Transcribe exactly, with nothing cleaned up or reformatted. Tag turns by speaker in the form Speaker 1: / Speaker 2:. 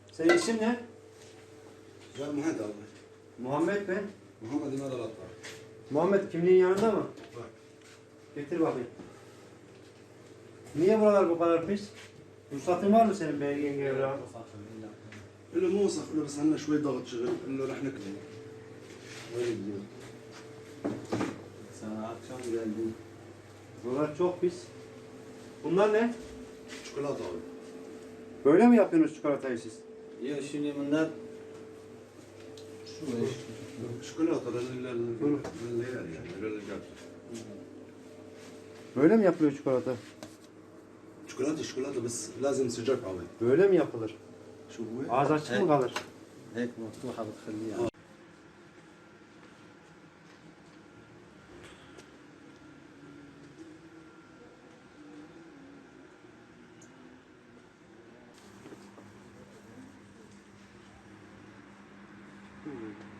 Speaker 1: Senin isim ne?
Speaker 2: Ben Muhammed abi.
Speaker 1: Muhammed mi?
Speaker 2: Muhammed İmad Alatlar.
Speaker 1: Muhammed kimliğin yanında mı?
Speaker 2: Bak.
Speaker 1: Getir bakayım. Niye buralar bu kadar pis? Ruhsatın var mı senin belgen evrağı?
Speaker 2: قال له مو وسخ قال له بس عندنا شوي ضغط شغل قال له رح نكتب. Öyle gidiyor.
Speaker 3: Sana akşam geldim.
Speaker 1: Buralar çok pis. Bunlar ne?
Speaker 2: Çikolata abi.
Speaker 1: Böyle mi yapıyorsunuz çikolatayı siz?
Speaker 3: Ya şimdi bunlar şu eş.
Speaker 2: Çikolata للعيال يعني للرجال.
Speaker 1: Böyle mi yapılıyor çikolata?
Speaker 2: شوكولاته شوكولاته بس لازم سجاك abi.
Speaker 1: Böyle mi yapılır?
Speaker 2: شو هو؟
Speaker 1: Ağız açık mı kalır?
Speaker 3: هيك مفتوحة بتخليها.
Speaker 1: Hmm.